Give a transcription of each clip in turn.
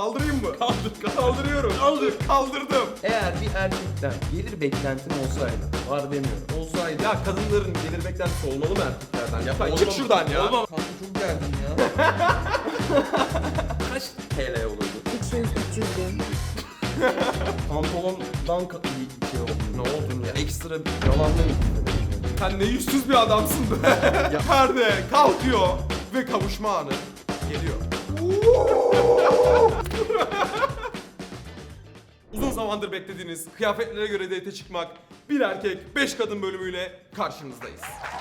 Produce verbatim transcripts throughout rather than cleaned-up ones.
Kaldırayım mı? Kaldır. Kaldırıyorum. Kaldır. Kaldırdım. Eğer bir erkekten gelir beklentin olsaydı, var demiyorum, olsaydı Ya kadınların gelir beklentisi olmalı mı erkeklerden? Ya Olmam- çık şuradan ya. Olmam. Kanka çok geldin ya. Kaç T L olurdu? üç yüz üç yüz bin. Pantolondan ka- bir şey oldu. Ne oldu ya? Ekstra bir yalanla mı? Sen ne yüzsüz bir adamsın be. Perde kalkıyor ve kavuşma anı geliyor. Uzun zamandır beklediğiniz kıyafetlere göre date çıkmak, bir erkek beş kadın bölümüyle karşınızdayız.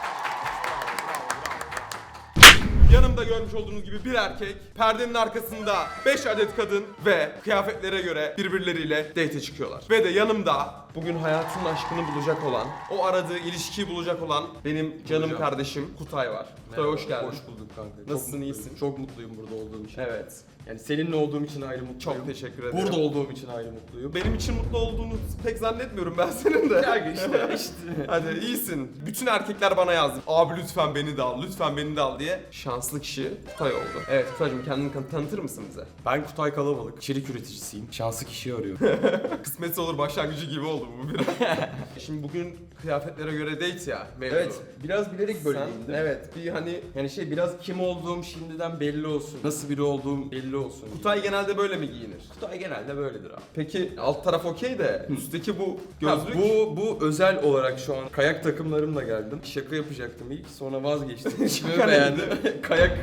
Yanımda görmüş olduğunuz gibi bir erkek, perdenin arkasında beş adet kadın ve kıyafetlere göre birbirleriyle date çıkıyorlar. Ve de yanımda bugün hayatının aşkını bulacak olan, o aradığı ilişkiyi bulacak olan benim canım Bulacağım. kardeşim Kutay var. Kutay hoş geldin. Hoş bulduk kanka. Çok Nasılsın, mutluyum. iyisin? Çok mutluyum burada olduğum için. Evet. Yani seninle olduğum için ayrı mutluyum. Çok teşekkür ederim. Burada olduğum için ayrı mutluyum. Benim için mutlu olduğunu pek zannetmiyorum ben senin de. Kanka işte işte. Hadi iyisin. Bütün erkekler bana yazdı. Abi lütfen beni de al, lütfen beni de al diye. Şanslı kişi Kutay oldu. Evet Kutay'cığım kendini kan- tanıtır mısın bize? Ben Kutay Kalabalık. İçerik üreticisiyim. Şanslı kişiyi arıyorum. Kısmetse olur başlangıcı gibi oldu bu biraz. Şimdi bugün kıyafetlere göre date ya. mevzu. Evet, biraz bilerek böyle Sen- giyindim. Evet bir hani Yani şey biraz kim olduğum şimdiden belli olsun. Nasıl biri olduğum belli olsun. Kutay genelde böyle mi giyinir? Kutay genelde böyledir abi. Peki alt taraf okey de üstteki bu gözlük. Ha, bu bu özel olarak şu an kayak takımlarımla geldim. Şaka yapacaktım ilk, sonra vazgeçtim. Şimdi Şaka beğendim. kayak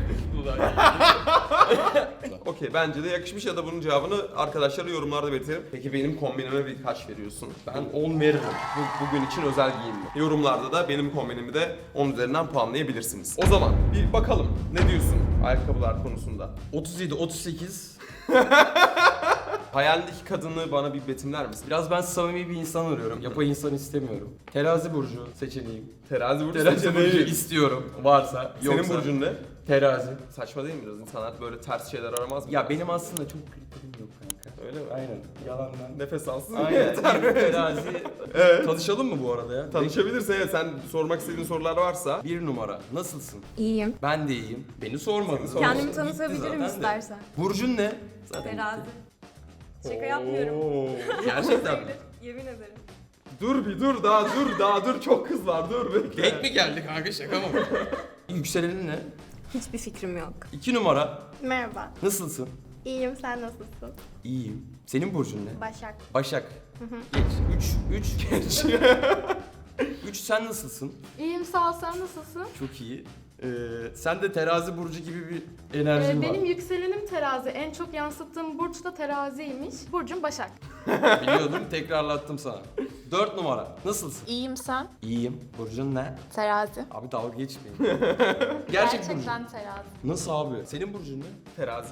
Okey bence de yakışmış ya da bunun cevabını arkadaşlara yorumlarda belirtelim. Peki benim kombinime bir kaç veriyorsun? Ben on veririm. Bu, bugün için özel giyinme. Yorumlarda da benim kombinimi de on üzerinden puanlayabilirsiniz. O zaman bir bakalım ne diyorsun ayakkabılar konusunda? otuz yedi otuz sekiz. Hayalindeki kadını bana bir betimler misin? Biraz ben samimi bir insan arıyorum. Yapay insan istemiyorum. Terazi burcu seçeneğim. Terazi burcu Terazi seçeneği. burcu istiyorum. Varsa. Senin Yoksa burcun ne? terazi. Saçma değil mi biraz? İnsanlar böyle ters şeyler aramaz mı? Ya benim aslında çok kriterim yok kanka. Öyle mi? Aynen. Yalandan. Nefes alsın. Aynen. Yeter. Bir terazi. Evet. Tanışalım mı bu arada ya? Tanışabilirsin evet. Sen sormak istediğin sorular varsa. Bir numara. Nasılsın? İyiyim. Ben de iyiyim. Beni sormadın. Seni Kendimi Gitti tanıtabilirim zaten de. istersen. Burcun ne? Zaten Terazi. Şaka Oo. yapmıyorum. Gerçekten mi? Yemin ederim. Dur bir dur daha dur daha dur çok kız var dur bekle. Denk mi geldi kanka, şaka mı? Yükselenin ne? Hiçbir fikrim yok. İki numara. Merhaba. Nasılsın? İyiyim, sen nasılsın? İyiyim. Senin burcun ne? Başak. Başak. Geç. Üç. Üç. Geç. Üç, sen nasılsın? İyiyim sağ ol, sen nasılsın? Çok iyi. Ee, sen de terazi burcu gibi bir enerjin Ee, var. benim yükselenim terazi. En çok yansıttığım burç da teraziymiş. Burcum Başak. Biliyordum, tekrarlattım sana. Dört numara. Nasılsın? İyiyim sen. İyiyim. Burcun ne? Terazi. Abi dalga geçmeyin. Gerçek burcun. Gerçekten terazi. Nasıl abi? Senin burcun ne? Terazi.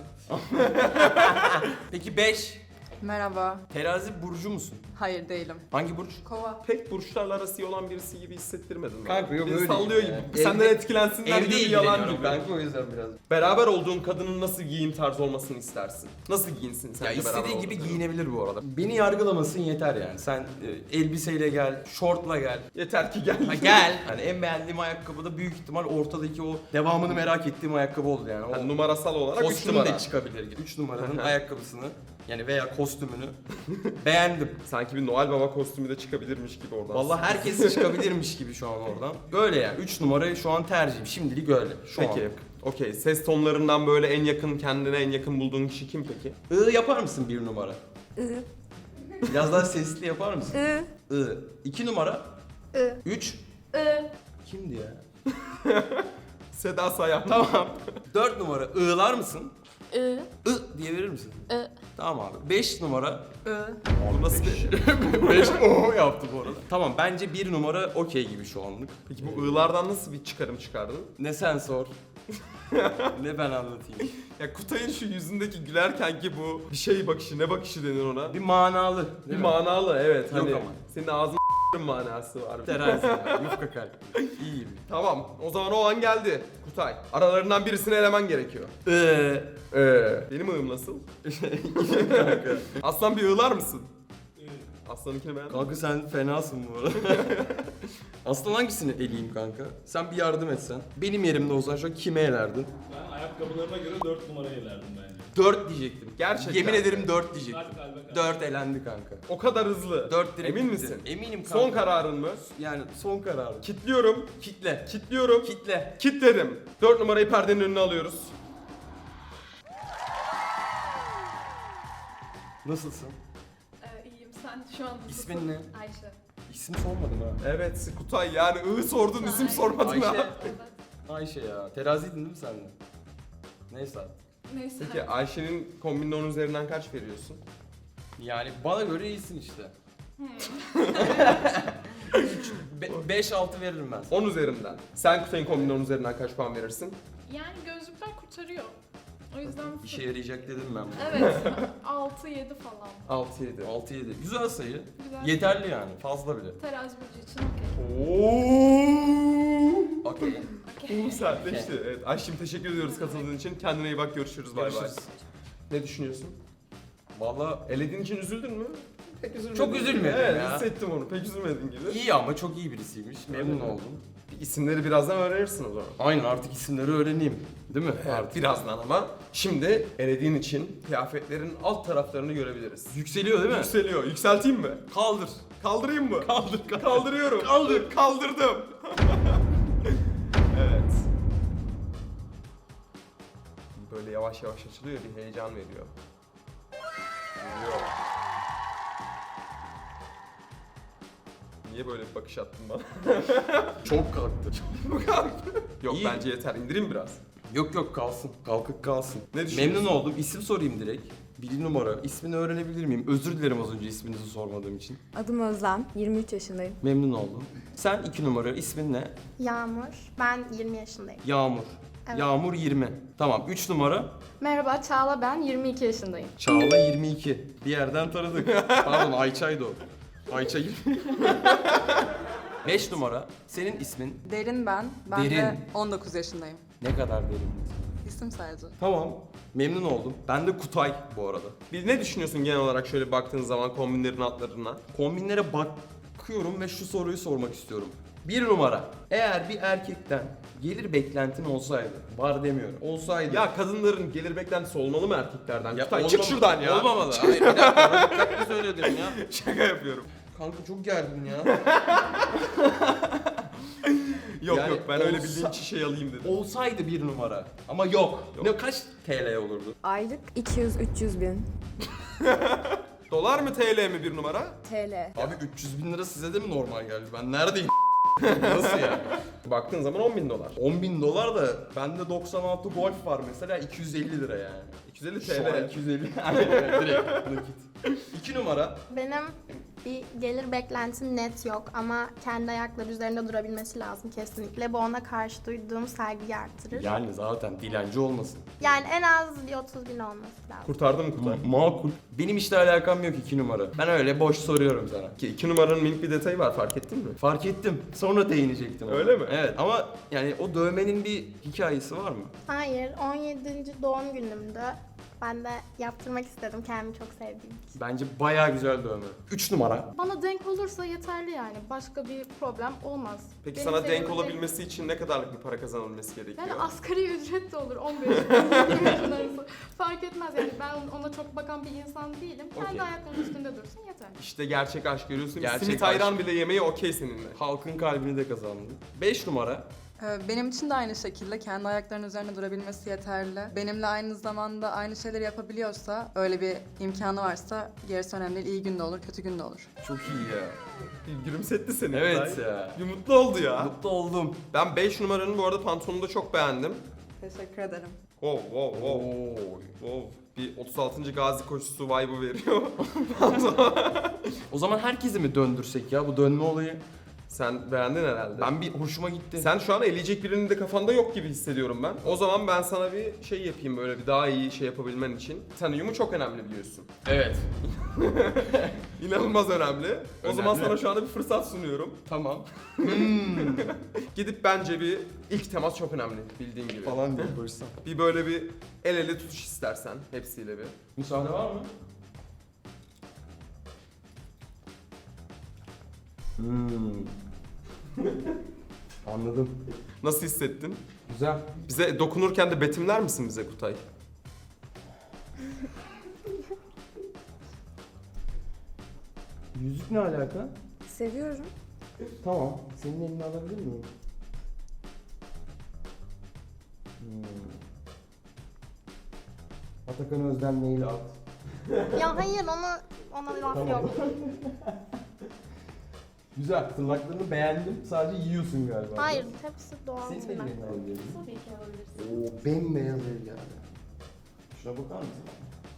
Peki beş. Merhaba. Terazi burcu musun? Hayır değilim. Hangi burç? Kova. Pek burçlarla arası iyi olan birisi gibi hissettirmedin bana. Kanka yok Beni öyle sallıyor değil gibi. ya. Senden Evde- etkilensinler Evde gibi yalan ilgileniyorum gibi. kanka, o yüzden biraz. Beraber olduğun kadının nasıl giyim tarzı olmasını istersin? Nasıl giyinsin sen Ya de beraber istediği gibi olduğun? giyinebilir bu arada. Beni yargılamasın yeter yani. Sen e, elbiseyle gel, şortla gel. Yeter ki gel. Ha gel. Hani en beğendiğim ayakkabı da büyük ihtimal ortadaki o devamını merak ettiğim ayakkabı oldu yani. O Yani numarasal olarak üç kostüm numara. de çıkabilir. üç numaranın ayakkabısını yani veya kostümünü beğendim. Sanki bir Noel Baba kostümü de çıkabilirmiş gibi oradan. Vallahi herkes çıkabilirmiş gibi şu an oradan. Böyle yani. üç numarayı şu an tercihim. Şimdilik öyle. Şu Peki. an. Okey. Ses tonlarından böyle en yakın, kendine en yakın bulduğun kişi kim peki? I yapar mısın bir numara? I. Biraz daha sesli yapar mısın? I. I. iki numara. I. üç. Ee, Kimdi ya? Seda Sayan. Tamam. dört numara. I'lar mısın? I. I diye verir misin? I. Tamam abi. beş numara. I. Oğlum nasıl bir... beş o yaptı bu arada. Tamam, bence bir numara okey gibi şu anlık. Peki bu ığlardan nasıl bir çıkarım çıkardın? Ne sen sor. Ne ben anlatayım. Ya Kutay'ın şu yüzündeki gülerken ki bu bir şey bakışı, ne bakışı denir ona? Bir manalı. Bir değil mi? manalı evet. Yok hani ama. Senin ağzın manası var. Terazi. ya, Yufka kalp. İyiyim. Tamam. O zaman o an geldi. Kutay. Aralarından birisini elemen gerekiyor. Eee. Ee, benim ığım nasıl? Kanka. Aslan bir ığlar mısın? Aslanınkini beğendin mi? Kanka sen fenasın bu arada. Aslan hangisini eleyeyim kanka? Sen bir yardım etsen. Benim yerimde olsan şu an kime elerdin? Ben ayakkabılarına göre dört numarayı elerdim bence. dört diyecektim. Gerçekten. Yemin ederim dört diyecektim. dört elendi kanka. O kadar hızlı. dört direkt Emin gitti. misin? Eminim kanka. Son kararın mı? Yani son kararım. Kitliyorum. Kitle. Kitliyorum. Kitle. Kitledim. dört numarayı perdenin önüne alıyoruz. Nasılsın? Ee, iyiyim. Sen şu an nasılsın? İsmin ne? Ayşe. İsim sormadım ha. Evet Kutay yani ı sordun isim Ay. sormadın Ayşe. ha. Evet. Ayşe ya. Teraziydin değil mi sen de? Neyse artık. Neyse. Peki Ayşe'nin kombinin on üzerinden kaç veriyorsun? Yani bana göre iyisin işte. beş altı veririm ben sana. on üzerinden. Sen Kutay'ın kombinin on üzerinden kaç puan verirsin? Yani gözlükler kurtarıyor. O yüzden... İşe yarayacak dedim ben bunu. Evet. altı yedi falan. altı yedi. altı yedi. Güzel sayı. Güzel. Yeterli yani. Fazla bile. Terazi burcu için okey. Ooo. Okey. Oğlum sertleşti. Evet Ayşe'cim teşekkür ediyoruz katıldığın için. Kendine iyi bak görüşürüz. Bay bay. Görüşürüz. Ne düşünüyorsun? Valla Elediğin için üzüldün mü? Pek üzülmedin. Çok üzülmedim evet, ya. hissettim onu. Pek üzülmedin gibi. iyi ama çok iyi birisiymiş. Memnun Öyle mi? oldum. İsimleri birazdan öğrenirsin o zaman. Aynen artık isimleri öğreneyim. Değil mi? Evet, Artık. birazdan ama. Şimdi elediğin için kıyafetlerin alt taraflarını görebiliriz. Yükseliyor değil mi? Yükseliyor. Yükselteyim mi? Kaldır. Kaldırayım mı? Kaldır, kaldır. Kaldırıyorum. Kaldır. Kaldırdım. Evet. Böyle yavaş yavaş açılıyor, bir heyecan veriyor. Geliyor. Niye böyle bir bakış attın bana? Çok kalktı. Bu kadar. Yok İyi. bence yeter. İndireyim biraz. Yok yok kalsın. Kalkık kalsın. Ne düşünüyorsun? Memnun oldum. İsim sorayım direkt. Bir numara. İsmini öğrenebilir miyim? Özür dilerim az önce isminizi sormadığım için. Adım Özlem, yirmi üç yaşındayım. Memnun oldum. Sen iki numara. İsmin ne? Yağmur. Ben yirmi yaşındayım. Yağmur. Evet. Yağmur yirmi. Tamam. üç numara. Merhaba Çağla, ben yirmi iki yaşındayım. Çağla yirmi iki. Bir yerden tanıdık. Pardon Ayça'ydı o. Ayça yirmi. beş numara. Senin ismin Derin ben. Ben Derin. de on dokuz yaşındayım. ne kadar derin? İsim sadece. Tamam. Memnun oldum. Ben de Kutay bu arada. Bir ne düşünüyorsun genel olarak şöyle baktığın zaman kombinlerin altlarına? Kombinlere bakıyorum ve şu soruyu sormak istiyorum. Bir numara. Eğer bir erkekten gelir beklentin olsaydı, var demiyorum, olsaydı. Ya kadınların gelir beklentisi olmalı mı erkeklerden? Ya Kutay, çık olmamalı- şuradan ya. Olmamalı. Hayır bir dakika. Dikkatli söyledim ya. Şaka yapıyorum. Kanka çok gergin ya. Yok Yani yok ben öyle olsa- bildiğim şişeyi alayım dedim. Olsaydı bir numara. Ama yok. Yok. Ne kaç T L olurdu? Aylık iki yüz üç yüz bin Dolar mı T L mi bir numara? T L. Abi üç yüz bin lira size de mi normal geldi? Ben neredeyim? Nasıl ya? Baktığın zaman on bin dolar. on bin dolar da bende doksan altı Golf var mesela iki yüz elli lira yani. iki yüz elli Şu an T L. iki yüz elli. Evet, evet, direkt nakit. iki numara. Benim bir gelir beklentim net yok ama kendi ayakları üzerinde durabilmesi lazım kesinlikle. Bu ona karşı duyduğum saygıyı artırır. Yani zaten dilenci olmasın. Yani en az bir otuz bin olması lazım. Kurtardın mı Kutay? Makul. Benim işte alakam yok iki numara. Ben öyle boş soruyorum sana. Ki iki numaranın minik bir detayı var fark ettin mi? Fark ettim. Sonra değinecektim. ona. Öyle mi? Evet ama yani o dövmenin bir hikayesi var mı? Hayır, on yedinci doğum günümdü. Ben de yaptırmak istedim kendimi çok sevdiğim için. Bence bayağı güzel dövme. üç numara. Bana denk olursa yeterli yani. Başka bir problem olmaz. Peki Benim sana denk sevdiğim- olabilmesi için ne kadarlık bir para kazanılması gerekiyor? Yani asgari ücret de olur on beş bin yirmi bin arası. Fark etmez yani ben ona çok bakan bir insan değilim. Kendi Okey. ayaklarının üstünde dursun yeter. İşte gerçek aşk görüyorsun. Gerçek Simit aşk. ayran bile yemeği okey seninle. Halkın kalbini de kazandı. beş numara. Ee, Benim için de aynı şekilde kendi ayaklarının üzerine durabilmesi yeterli. Benimle aynı zamanda aynı şeyleri yapabiliyorsa, öyle bir imkanı varsa gerisi önemli değil. İyi günde olur, kötü günde olur. Çok iyi ya. Bir gülümsetti seni. Evet Kutay. ya. Bir mutlu oldu ya. Mutlu oldum. Ben beş numaranın bu arada pantolonunu da çok beğendim. Teşekkür ederim. Wow wow wow. Oo. Wow. Bir otuz altıncı gazi koşusu vibe'ı veriyor. O zaman herkesi mi döndürsek ya bu dönme olayı? Sen beğendin herhalde. Ben bir hoşuma gitti. Sen şu an eleyecek birinin de kafanda yok gibi hissediyorum ben. O zaman ben sana bir şey yapayım böyle bir daha iyi şey yapabilmen için. Ten uyumu çok önemli biliyorsun. Evet. İnanılmaz önemli. O zaman Önemli. sana şu anda bir fırsat sunuyorum. Tamam. Gidip bence bir ilk temas çok önemli bildiğin gibi. Falan diye barışsam. Bir böyle bir el ele tutuş istersen hepsiyle bir. Müsaade var mı? Hmm. Anladım. Nasıl hissettin? Güzel. Bize dokunurken de betimler misin bize Kutay? Yüzük ne alaka? Seviyorum. Tamam. Senin elini alabilir miyim? Hmm. Atakan Özden mail at. Ya hayır ona ona laf Tamam. yok. Güzel. Tırnaklarını beğendim. Sadece yiyorsun galiba. Hayır hepsi doğal Senin de tırnak. elini alabilir miyim? Tabii ki alabilirsin. Oo, bembeyaz el yani. Şuna bakar mısın?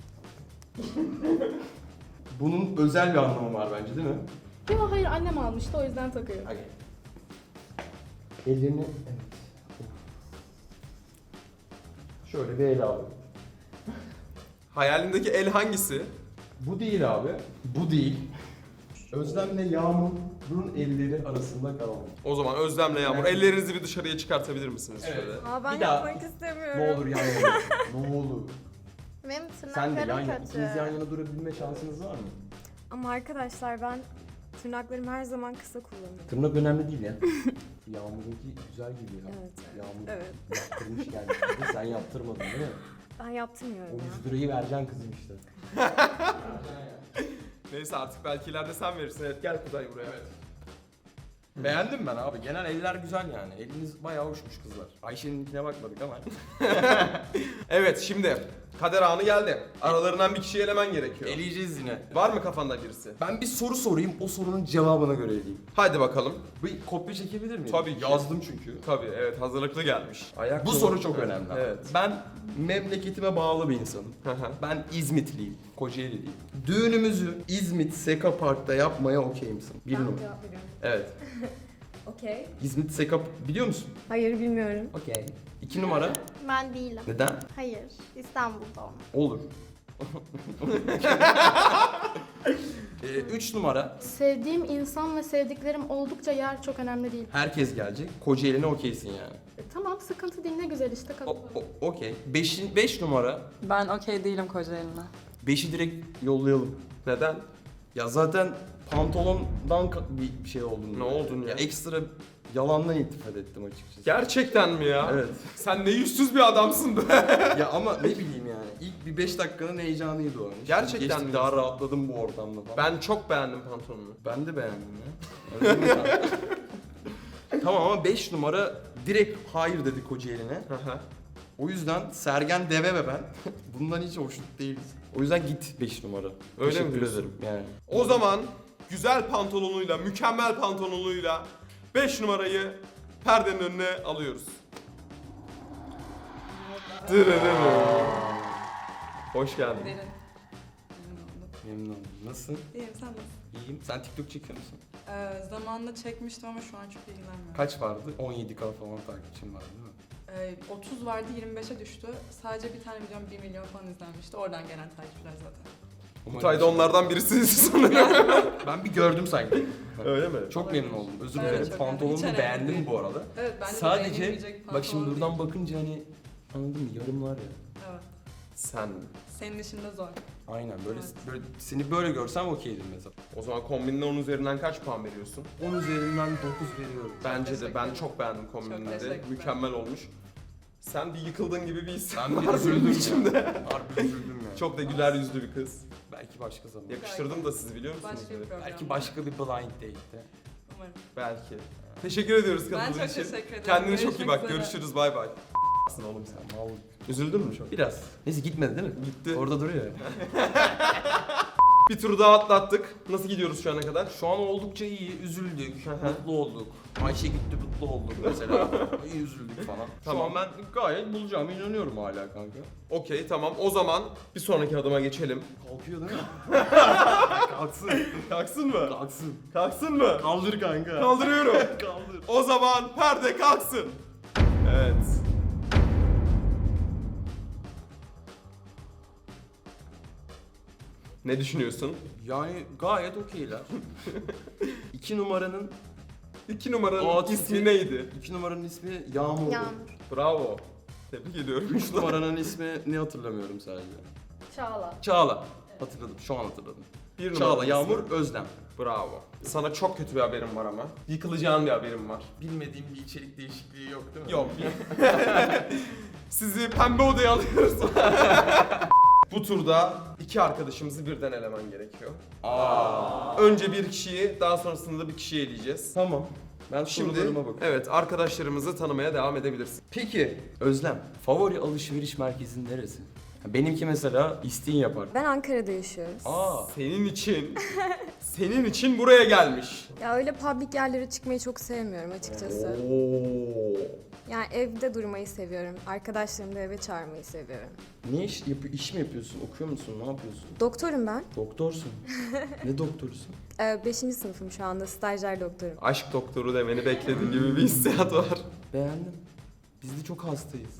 Bunun özel bir anlamı var bence değil mi? Yok hayır annem almıştı o yüzden takıyorum. Hadi. Ellerini... Evet. Şöyle bir el abi. Hayalindeki el hangisi? Bu değil abi. Bu değil. Özlemle Yağmur'un elleri arasında kaldı. O zaman Özlem'le Yağmur Evet. ellerinizi bir dışarıya çıkartabilir misiniz Evet. şöyle? Aa ben Bir daha. yapmak istemiyorum. Ne olur yan yana. Ne olur. Benim Sen de yan tırnaklarım yana. kötü. İkiniz yan yana durabilme şansınız var mı? Ama arkadaşlar ben tırnaklarımı her zaman kısa kullanıyorum. Tırnak önemli değil ya. Yağmur'unki güzel gibi ya. Evet. Yağmur Evet. yaptırmış yani. Sen yaptırmadın değil mi? Ben yaptırmıyorum O ya. yüz lirayı vereceksin kızım işte. Neyse artık belki ileride sen verirsin. Evet gel Kuzey buraya. Evet. Beğendim ben abi. Genel eller güzel yani. Eliniz bayağı hoşmuş kızlar. Ayşe'ninkine bakmadık ama. Evet şimdi kader anı geldi. Aralarından bir kişiyi elemen gerekiyor. Eleyeceğiz yine. Var mı kafanda birisi? Ben bir soru sorayım. O sorunun cevabına göre eleyeyim. Hadi bakalım. Bir kopya çekebilir miyim? Tabii ki. Yazdım çünkü. Tabii evet hazırlıklı gelmiş. Ayak Bu kolu- soru çok önemli. abi. Evet. Ben memleketime bağlı bir insanım. Hı hı. Ben İzmitliyim. Kocaeli'liyim. Düğünümüzü İzmit Seka Park'ta yapmaya okey misin? Bir Ben numara. cevap veriyorum. Evet. Okey. İzmit Seka biliyor musun? Hayır bilmiyorum. Okey. İki numara. Ben değilim. Neden? Hayır. İstanbul'da olmak. Olur. ee, üç numara. Sevdiğim insan ve sevdiklerim oldukça yer çok önemli değil. Herkes gelecek. Kocaeli'ne okeysin yani. E, tamam sıkıntı değil ne güzel işte O, katılıyorum. o- okey. Beşin, beş numara. Ben okey değilim Kocaeli'ne. Beşi direkt yollayalım. Neden? Ya zaten pantolondan ka- bir bir şey oldun. Ne oldun ya? Ekstra yalandan iltifat ettim açıkçası. Gerçekten mi ya? Evet. Sen ne yüzsüz bir adamsın be. Ya ama ne bileyim yani. İlk bir beş dakikanın heyecanıydı o. Şimdi Gerçekten geçtik, mi? daha rahatladım bu ortamda falan. Ben çok beğendim pantolonunu. Ben de beğendim ya. Öyle mi sen? Tamam ama beş numara direkt hayır dedi Kocaeli'ne. Hı hı. O yüzden Sergen Deve ve ben bundan hiç hoşnut değiliz. O yüzden git beş numara. Öyle mi Teşekkür diyorsun? ederim yani. O zaman güzel pantolonuyla, mükemmel pantolonuyla beş numarayı perdenin önüne alıyoruz. Dırırırı. Hoş geldin. Derin. Memnun oldum. Memnun oldum. Nasılsın? İyiyim sen nasılsın? İyiyim. Sen TikTok çekiyor musun? Ee, zamanında çekmiştim ama şu an çok ilgilenmiyorum. Kaç vardı? on yedi K falan takipçim vardı değil mi? Ee, otuz vardı yirmi beşe düştü. Sadece bir tane videom bir milyon falan izlenmişti. Oradan gelen takipçiler zaten. Kutay da onlardan birisiniz sanırım. Ben bir gördüm sanki. Öyle mi? Çok memnun oldum. Özür Ben de dilerim. çok memnun. Hiç Pantolonunu önemli beğendim değil. bu arada. Evet bence de Sadece beğenilmeyecek bir bak şimdi pantolon buradan değil. bakınca hani anladın mı? Yarımlar ya. Evet. Sen. Senin işinde zor. Aynen böyle Evet. böyle seni böyle görsem okeydim mesela. O zaman kombinine on üzerinden kaç puan veriyorsun? on üzerinden dokuz veriyorum. Bence de teşekkür ben ederim. çok beğendim Çok kombinini de. teşekkürler. Mükemmel olmuş. Sen bir yıkıldın gibi bir his. Ben bir var üzüldüm benim ya. içimde. Harbi üzüldüm yani. Çok da güler yüzlü bir kız. Belki başka zaman. Yakıştırdım da sizi biliyor musunuz? Başka bir böyle? program. Belki başka bir blind date'te. Umarım. Belki. Teşekkür ediyoruz Ben katıldığın çok için. teşekkür ederim. Kendine çok iyi Görüşmek bak. üzere. Görüşürüz. Bay bay. Sen oğlum sen. Sen mal. Üzüldün mü çok? Biraz. Neyse gitmedi değil mi? Gitti. Orada duruyor. Bir turu daha atlattık. Nasıl gidiyoruz şu ana kadar? Şu an oldukça iyi, üzüldük, hı. mutlu olduk. Ayşe gitti, mutlu olduk mesela. İyi üzüldük falan. Tamam. Şu an ben gayet bulacağımı inanıyorum hala kanka. Okey tamam. O zaman bir sonraki adıma geçelim. Kalkıyor değil mi? Kalksın. Kalksın mı? Kalksın. Kalksın mı? Kaldır kanka. Kaldırıyorum. Kaldır. O zaman perde kalksın. Evet. Ne düşünüyorsun? Yani gayet okeyler. İki numaranın, İki numaranın Aa, ismi çünkü- neydi? iki numaranın ismi Yağmur. Yağmur. Bravo. Tebrik ediyorum. Üç numaranın ismi ne hatırlamıyorum sadece. Çağla. Çağla. Hatırladım, şu an hatırladım. Bir Çağla, numaranın Yağmur, ismi. Özlem. Bravo. Sana çok kötü bir haberim var ama. Yıkılacağın bir haberim var. Bilmediğim bir içerik değişikliği yok değil mi? Yok. Sizi pembe odaya alıyoruz. Bu turda iki arkadaşımızı birden elemen gerekiyor. Önce bir kişiyi, daha sonrasında da bir kişiyi eleyeceğiz. Tamam. Ben Şimdi sorularıma bakıyorum. evet, arkadaşlarımızı tanımaya devam edebilirsin. Peki Özlem, favori alışveriş merkezin neresi? Benimki mesela İstinye Park. Ben Ankara'da yaşıyoruz. Aa, Senin için, senin için buraya gelmiş. Ya öyle public yerlere çıkmayı çok sevmiyorum açıkçası. Oo. Yani evde durmayı seviyorum. Arkadaşlarımı da eve çağırmayı seviyorum. Ne iş, yapı, iş mi yapıyorsun? Okuyor musun? Ne yapıyorsun? Doktorum ben. Doktorsun. Ne doktorusun? Ee, beşinci sınıfım şu anda. Stajyer doktorum. Aşk doktoru demeni beklediğim gibi bir hissiyat var. Beğendim. Biz de çok hastayız.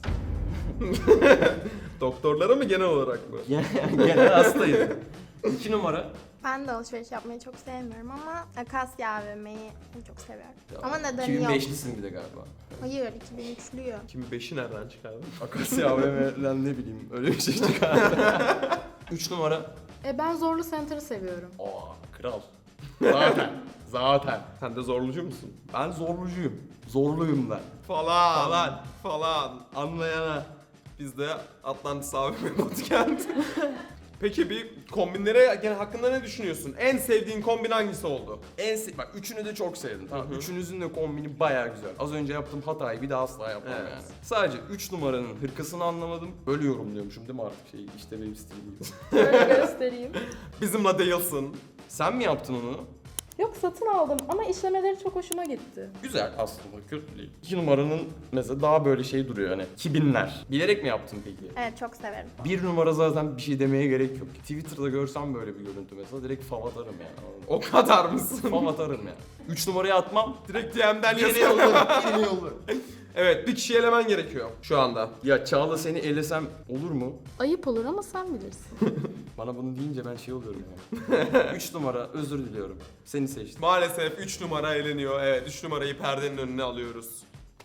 Doktorlara mı genel olarak mı? Genel, genel hastayız. İki numara. Ben de alışveriş yapmayı çok sevmiyorum ama Akasya A V M'yi çok seviyorum. Ya, Ama nedeni iki bin yok. beşlisin bir de galiba. Hayır, iki bin üçlüyüm. Kim beşi nereden çıkardın? Akasya A V M'den ne bileyim öyle bir şey çıkar. Üç numara. E ben Zorlu Center'ı seviyorum. Aa, kral. Zaten. Zaten. Sen de zorlucu musun? Ben zorlucuyum. Zorluyum ben. Falan. Falan. Falan. Anlayana. Biz de Atlantis A V M Bootcamp. Peki bir kombinlere gene hakkında ne düşünüyorsun? En sevdiğin kombin hangisi oldu? En se- bak üçünü de çok sevdim. Tamam. Hı hı. Üçünüzün de kombini bayağı güzel. Az önce yaptığım hatayı bir daha asla yapmam Evet. yani. Sadece üç numaranın hırkasını anlamadım. Bölüyorum diyormuşum değil mi artık şey işte benim stilim gibi. Şöyle göstereyim. Bizimle değilsin. Sen mi yaptın onu? Yok, satın aldım ama işlemeleri çok hoşuma gitti. Güzel aslında, kötü değil. İki numaranın mesela daha böyle şey duruyor hani kibinler. Bilerek mi yaptın peki? Evet, çok severim. Bir numara zaten bir şey demeye gerek yok. Twitter'da görsem böyle bir görüntü mesela direkt fav atarım yani. O kadar mısın? Fav atarım yani. Üç numarayı atmam. Direkt D M'den Yeni yazıyorum. yollarım, yeni yollarım. Evet, bir kişi elemen gerekiyor şu anda. Ya Çağla seni elesem olur mu? Ayıp olur ama sen bilirsin. Bana bunu deyince ben şey oluyorum yani. Üç numara özür diliyorum. Seni seçtim. Maalesef üç numara eleniyor. Evet, üç numarayı perdenin önüne alıyoruz.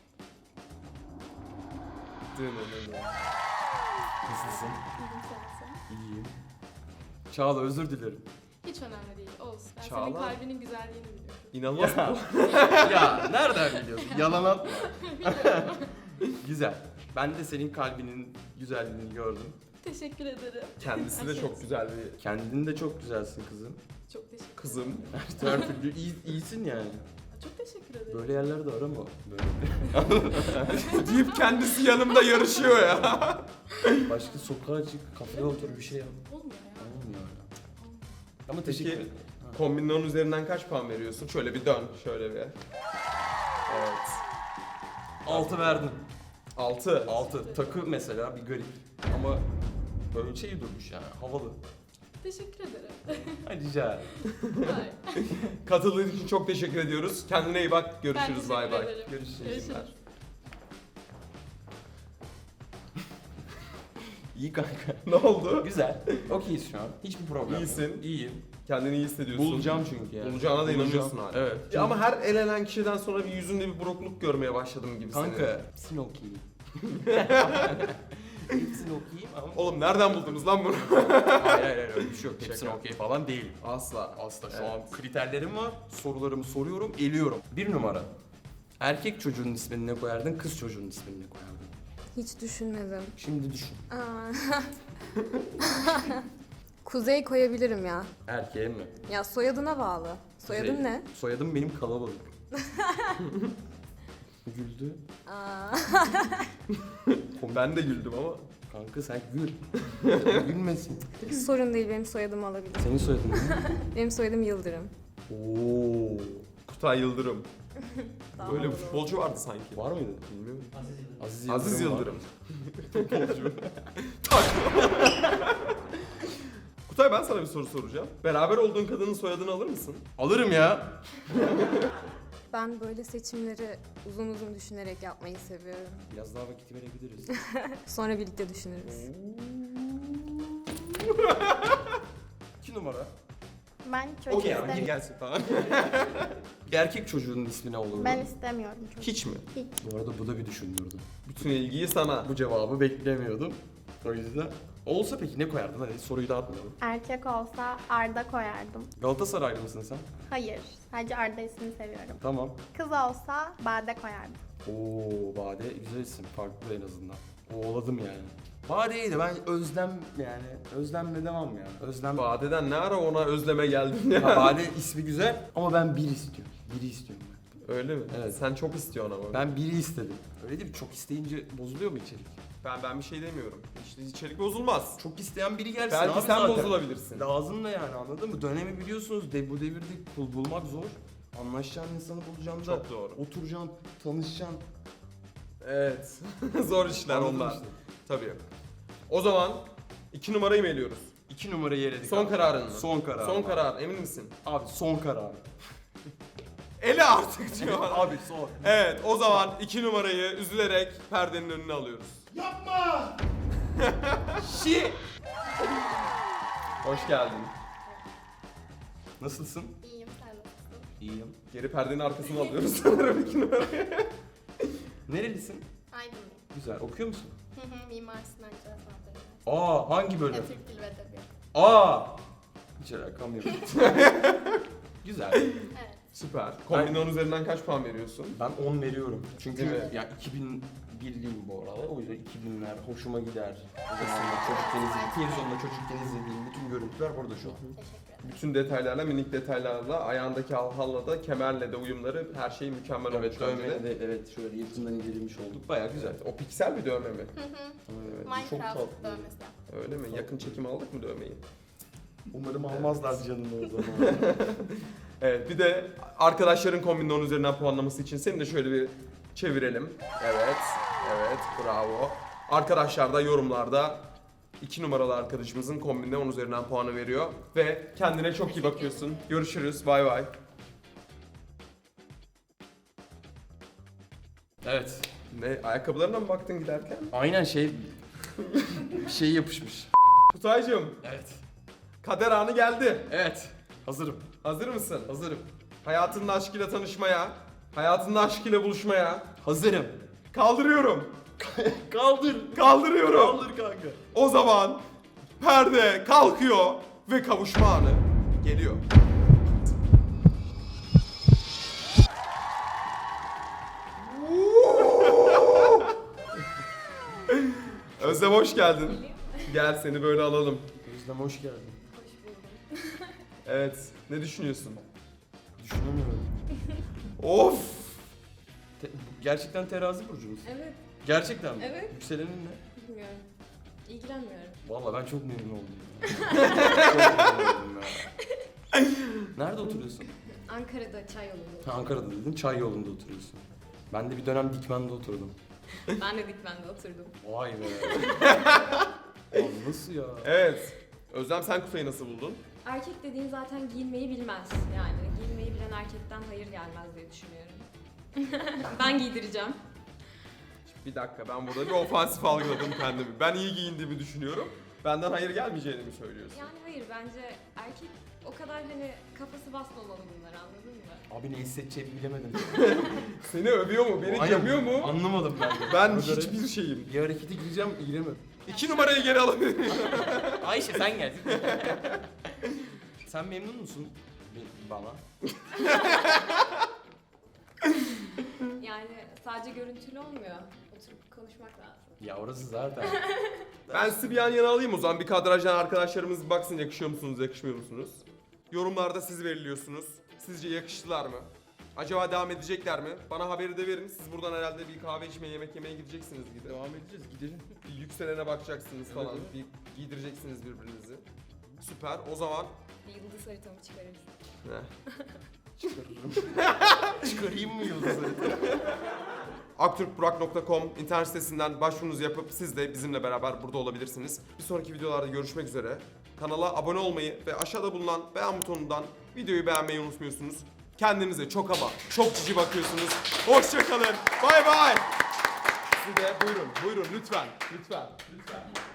Nasılsın? İyiyim. Çağla özür dilerim. Hiç önemli değil, olsun. Ben Çağla. senin kalbinin güzelliğini biliyorum. İnanılmaz. Ya nereden biliyorsun? Yalan atma. Güzel. Ben de senin kalbinin güzelliğini gördüm. Teşekkür ederim. Kendisi de çok güzel bir Kendin de çok güzelsin kızım. Çok teşekkür kızım. Her türlü iyi, iyisin yani. Çok teşekkür ederim. Böyle yerlerde arama. Böyle. deyip kendisi yanımda yarışıyor ya. Başka sokağa çık, kafede otur bir şey yap. Olmuyor ya. Olmuyor ya. Ama teşekkür Peki ederim. kombinin on üzerinden kaç puan veriyorsun? Şöyle bir dön, şöyle bir. Evet. Altı verdim. altı. Altı. Takı mesela bir garip. Ama böyle şey durmuş yani havalı. Teşekkür ederim. Ay rica ederim. Hayır. Katıldığın için çok teşekkür ediyoruz. Kendine iyi bak. Ben Görüşürüz. teşekkür Bay bay. ederim. Görüşürüz. Görüşürüz. İyi kanka. Ne oldu? Güzel. Okeyiz şu an. Hiçbir problem yok. İyisin. İyiyim. Kendini iyi hissediyorsun. Bulacağım çünkü yani. Bulacağına da Bulacağım. inanıyorsun hala. Evet. Ya ama her elenen kişiden sonra bir yüzünde bir burukluk görmeye başladım gibi senin. Kanka. Hepsini okuyayım. Hepsini okuyayım ama... Oğlum nereden buldunuz lan bunu? hayır hayır hayır öyle bir şey yok. Hepsini Şaka. okey falan değil. Asla. Asla şu Evet. an kriterlerim var. Sorularımı soruyorum, eliyorum. Bir numara. Erkek çocuğunun ismini ne koyardın, kız çocuğunun ismini ne koyardın? Hiç düşünmedim. Şimdi düşün. Aa. Kuzey koyabilirim ya. Erkeğe mi? Ya soyadına bağlı. Soyadın Kuzey. ne? Soyadım benim kalabalık. Güldü. Aa. Ben de güldüm ama. Kanka sen gül. Gülmesin. Sorun değil, benim soyadımı alabilir. Senin soyadın ne? Benim soyadım Yıldırım. Oo. Kutay Yıldırım. Daha Böyle bir havalı futbolcu vardı sanki. Var mıydı? Bilmiyorum. Aziz Aziz var. Yıldırım. Futbolcu. Tak. Kutay, ben sana bir soru soracağım. Beraber olduğun kadının soyadını alır mısın? Alırım ya. Ben böyle seçimleri uzun uzun düşünerek yapmayı seviyorum. Biraz daha vakit verebiliriz. Sonra birlikte düşünürüz. İki numara. Ben çocuk Okey abi, istemiyorum. gelsin falan. Bir erkek çocuğunun ismi ne olurdu? Ben istemiyorum çocuk. Hiç mi? Hiç. Bu arada bu da bir düşündürdü. Bütün ilgiyi sana. Bu cevabı beklemiyordum. O yüzden. Olsa peki ne koyardın? Hadi soruyu dağıtmayalım. Erkek olsa Arda koyardım. Galatasaraylı mısın sen? Hayır. Sadece Arda ismini seviyorum. Tamam. Kız olsa Bade koyardım. Oo Bade güzel isim. Farklı en azından. Oğladım yani. Bade'yi de ben özlem yani özlemle devam ya. Özlem. Bade'den ne ara ona özleme geldin ya? Ha, Bade ismi güzel ama ben bir istiyorum. Biri istiyorum ben. Öyle mi? Evet. Sen çok istiyorsun ama. Ben biri istedim. Öyle değil mi? Çok isteyince bozuluyor mu içerik? Ben ben bir şey demiyorum. İşte içerik bozulmaz. Çok isteyen biri gelsin Belki abi sen zaten. bozulabilirsin. Lazım da yani anladın mı? Dönemi biliyorsunuz de bu devirde kul bulmak zor. Anlaşacağın insanı bulacaksın da. Çok doğru. Oturacaksın, tanışacaksın. Evet. Zor işler Anladın onlar. işte. Tabii. O zaman iki numarayı mı eliyoruz? İki numarayı eledik. Son abi. kararın mı? Son karar. Son karar. Emin misin? Abi son karar. Ele artık diyor. Abi son. Evet, o zaman iki numarayı üzülerek perdenin önüne alıyoruz. Yapma! Şi. Hoş geldin. Nasılsın? İyiyim, sen nasılsın? İyiyim. Geri perdenin arkasına alıyoruz sanırım iki numarayı. Nerelisin? Aydınlıyım. Güzel. Okuyor musun? Hı hı, Mimar Sinan Cihaz Üniversitesi. Aa hangi bölüm? Türk Dili ve Edebiyatı. Aa! Hiç alakam yok. Güzel. Evet. Süper. Kombinin on üzerinden kaç puan veriyorsun? Ben on veriyorum. Çünkü Değil mi? ya iki bin birliyim bu arada. O yüzden iki binler hoşuma gider. O zamanlar çocukken izlediğim, televizyonda çocukken izlediğim bütün görüntüler burada şu an. Teşekkür ederim. Bütün detaylarla, minik detaylarla, ayağındaki halhalla da, kemerle de uyumları, her şey mükemmel olmuş Evet, bence dövme de. de evet şöyle yakından incelenmiş olduk. Bayağı güzel. Evet, o piksel bir dövme mi? Hı hı. Evet, çok Minecraft tatlı. dövmesi yaptım. Öyle mi? Yakın çekim aldık mı dövmeyi? Umarım almazlar canını o zaman. Evet, bir de arkadaşların kombinin on üzerinden puanlaması için seni de şöyle bir çevirelim. Evet, evet, bravo. Arkadaşlar da yorumlarda iki numaralı arkadaşımızın kombinde on üzerinden puanı veriyor. Ve kendine çok iyi bakıyorsun. Görüşürüz, bay bay. Evet. Ne, ayakkabılarına mı baktın giderken? Aynen şey bir şey yapışmış. Kutaycığım, Evet. kader anı geldi. Evet. Hazırım. Hazır mısın? Hazırım. Hayatının aşkıyla tanışmaya, hayatının aşkıyla buluşmaya Hazırım. kaldırıyorum. Kaldır. Kaldırıyorum. Kaldır kanka. O zaman perde kalkıyor ve kavuşma anı geliyor. Özlem hoş geldin. Gel seni böyle alalım. Özlem hoş geldin. Evet, ne düşünüyorsun? Düşünemiyorum. Of! Te- gerçekten terazi burcu musun? Evet, Gerçekten mi? Evet. Yükselenin ne? bilmiyorum. İlgilenmiyorum. Vallahi ben çok memnun oldum. ya. Çok memnun oldum ya. Nerede oturuyorsun? Ankara'da çay yolunda. Ha, Ankara'da dedin, çay yolunda oturuyorsun. Ben de bir dönem Dikmen'de oturdum. Ben de Dikmen'de oturdum. Vay be. Abi nasıl ya? Evet. Özlem sen Kutay'ı nasıl buldun? Erkek dediğin zaten giyinmeyi bilmez. Yani giyinmeyi bilen erkekten hayır gelmez diye düşünüyorum. Ben giydireceğim. Bir dakika, ben burada bir ofansif algıladım kendimi. Ben iyi giyindiğimi düşünüyorum. Benden hayır gelmeyeceğini mi söylüyorsun? Yani hayır, bence erkek o kadar hani kafası basmamalı bunları, anladın mı? Abi ne hissedeceğimi bilemedim. Seni övüyor mu? Beni Aynen. gömüyor mu? Anlamadım ben de. Ben Bu kadar- hiçbir şeyim. Bir harekete gireceğim, giremedim. İki numarayı geri alabilir miyim? Ayşe sen gel. Sen memnun musun? Be- Bana. Yani sadece görüntülü olmuyor. Oturup konuşmak lazım. Ya orası zaten. Ben sizi bir yan yana alayım o zaman. Bir kadrajdan arkadaşlarımız bir baksın, yakışıyor musunuz, yakışmıyor musunuz? Yorumlarda siz belirliyorsunuz. Sizce yakıştılar mı? Acaba devam edecekler mi? Bana haberi de verin. Siz buradan herhalde bir kahve içmeye, yemek yemeye gideceksiniz gibi. Devam edeceğiz, gidelim. Bir yükselene bakacaksınız Evet, falan. evet. Bir giydireceksiniz birbirinizi. Süper. O zaman Bir yıldız haritamı çıkarırız. Heh. Çıkarırım. Çıkarayım mı yıldızları? aktürkburak nokta com internet sitesinden başvurunuzu yapıp siz de bizimle beraber burada olabilirsiniz. Bir sonraki videolarda görüşmek üzere. Kanala abone olmayı ve aşağıda bulunan beğen butonundan videoyu beğenmeyi unutmuyorsunuz. Kendinize çok ama çok cici bakıyorsunuz. Hoşça kalın. Bay bay. Siz de buyurun, buyurun lütfen, lütfen, lütfen.